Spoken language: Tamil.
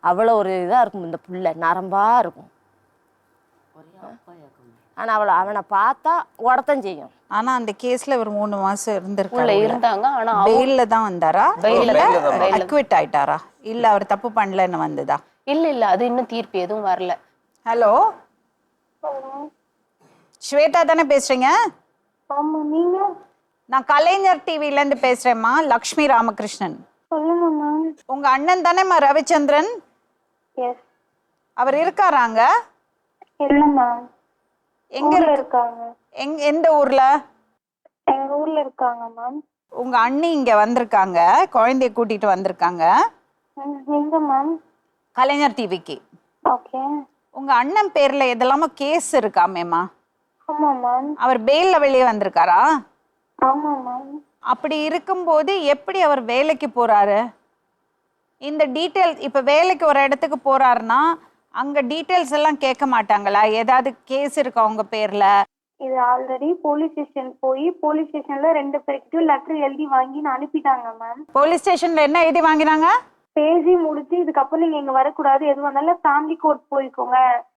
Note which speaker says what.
Speaker 1: அவ்வளோ ஒரு இதாக இருக்கும் இந்த புள்ள, நரம்பாக இருக்கும். ஆனால் அவனை பார்த்தா உடத்தான் செய்யும்.
Speaker 2: ஆனா அந்த கேஸ்ல ஒரு 3 மாசம்
Speaker 3: உள்ள இருந்தாங்க. ஆனா
Speaker 2: பெயில்ல தான் வந்தாரா?
Speaker 3: பெயில்ல
Speaker 2: அக்விட் ஆயிட்டாரா? இல்ல அவர் தப்பு பண்ணலன்னு வந்ததா?
Speaker 3: இல்ல அது இன்னும் தீர்ப்பு எதுவும் வரல.
Speaker 2: ஹலோ, ஸ்வேதா தானே பேசுறீங்க?
Speaker 4: ஆமா, நீங்க?
Speaker 2: நான் கலைஞர் டிவில இருந்து பேசுறேம்மா, லக்ஷ்மி ராமகிருஷ்ணன்.
Speaker 4: சொல்லுங்க மேம்.
Speaker 2: உங்க அண்ணன் தானேம்மா ரவிச்சந்திரன்?
Speaker 4: எஸ்.
Speaker 2: அவர் இருக்காராங்க?
Speaker 4: இல்ல மேம்.
Speaker 2: எங்க
Speaker 4: இருக்காங்க?
Speaker 2: எந்த ஊர்ல?
Speaker 4: எங்க ஊர்ல இருக்காங்க மேம்.
Speaker 2: உங்க அண்ணி இங்க வந்திருக்காங்க, குழந்தைய கூட்டிட்டு வந்திருக்காங்க.
Speaker 4: எங்க மேம்?
Speaker 2: கலைஞர் டிவிக்கு.
Speaker 4: ஓகே.
Speaker 2: உங்க அண்ணன் பேர்ல எதெல்லாமோ கேஸ் இருக்காமேம்மா?
Speaker 4: ஆமா மேம்.
Speaker 2: அவர் பெயில்ல வெளியே வந்திருக்காரா?
Speaker 4: ஆமா மேம்.
Speaker 2: அப்படி இருக்கும்போது எப்படி அவர் வேலைக்கு போறாரு? இந்த டீட்டெயில், இப்ப வேலைக்கு ஒரு இடத்துக்கு போறாருன்னா அங்க டீட்டெயில்ஸ் எல்லாம் கேட்க மாட்டாங்களா? ஏதாவது கேஸ் இருக்கா உங்க பேர்ல?
Speaker 4: இது ஆல்ரெடி போலீஸ் ஸ்டேஷன் போய் போலீஸ் ஸ்டேஷன்ல 2 பேருக்கு லெட்டர் எழுதி வாங்கி அனுப்பிட்டாங்க மேம்.
Speaker 2: போலீஸ் ஸ்டேஷன்ல என்ன எழுதி வாங்கினாங்க?
Speaker 4: பேசி முடிச்சு இதுக்கப்புறம் நீங்க இங்க வரக்கூடாது, எது வந்தாலும் ஃபேமிலி கோர்ட் போய்க்கோங்க,